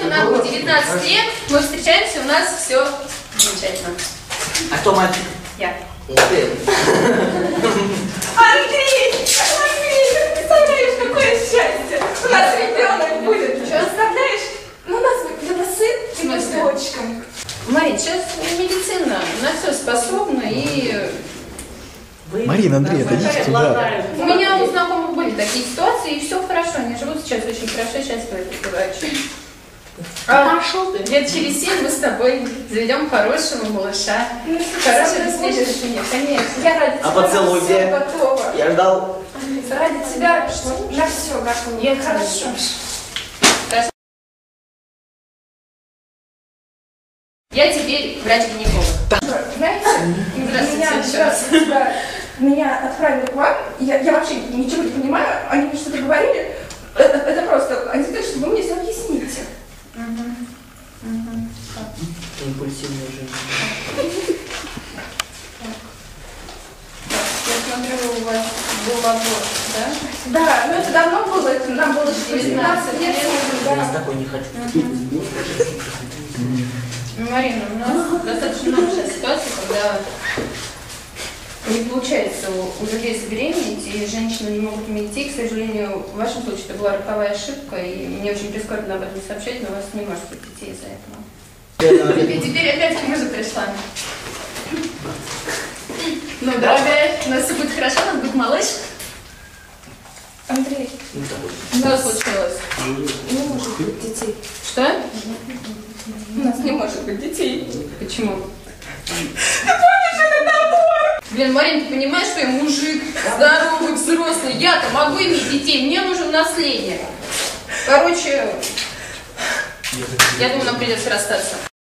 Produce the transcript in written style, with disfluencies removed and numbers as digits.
нам 19 лет, мы встречаемся, у нас все замечательно. А кто мальчик? Я. Ух ты. Андрей, ты представляешь, какое счастье! У нас ребенок будет. Представляешь? Ну, у нас будет сын и дочка. Марин, сейчас медицина на все способна и... Марина, Андрей, отойдите туда. У меня у знакомых были такие ситуации, и все хорошо. Они живут сейчас очень хорошо, счастливо, врач. Пошел ты. Лет через 7 мы с тобой заведем хорошего малыша. Ну, Хорошего наследия. Конечно. Я ради тебя поцелуй на все где? готова. Я ждал. Ради тебя на все готова. Я Хорошо. Я теперь врач-гинеколог. Знаете, Здравствуйте. меня отправили к вам, я вообще ничего не понимаю, они мне что-то говорили, это просто, они сказали, что вы мне все объясните. Импульсивная женщина. Я смотрю, у вас был аборт, да? Да, но это давно было, это нам было 19 лет. Я с такой не хочу. Марина, у нас достаточно много сейчас ситуаций, когда не получается у людей забеременеть, и женщины не могут иметь детей. К сожалению, в вашем случае это была роковая ошибка, и мне очень прискорбно об этом сообщать, но у вас не может быть детей из-за этого. И теперь опять к мужу пришла. Ну, дорогая, у нас все будет хорошо, у нас будет малыш. Андрей, Что случилось? не может быть детей. Что? У нас не может быть детей. Почему? Блин, Марин, ты понимаешь, что я мужик, здоровый, взрослый, я-то могу иметь детей, мне нужен наследник. Короче, я думаю, нам придется расстаться.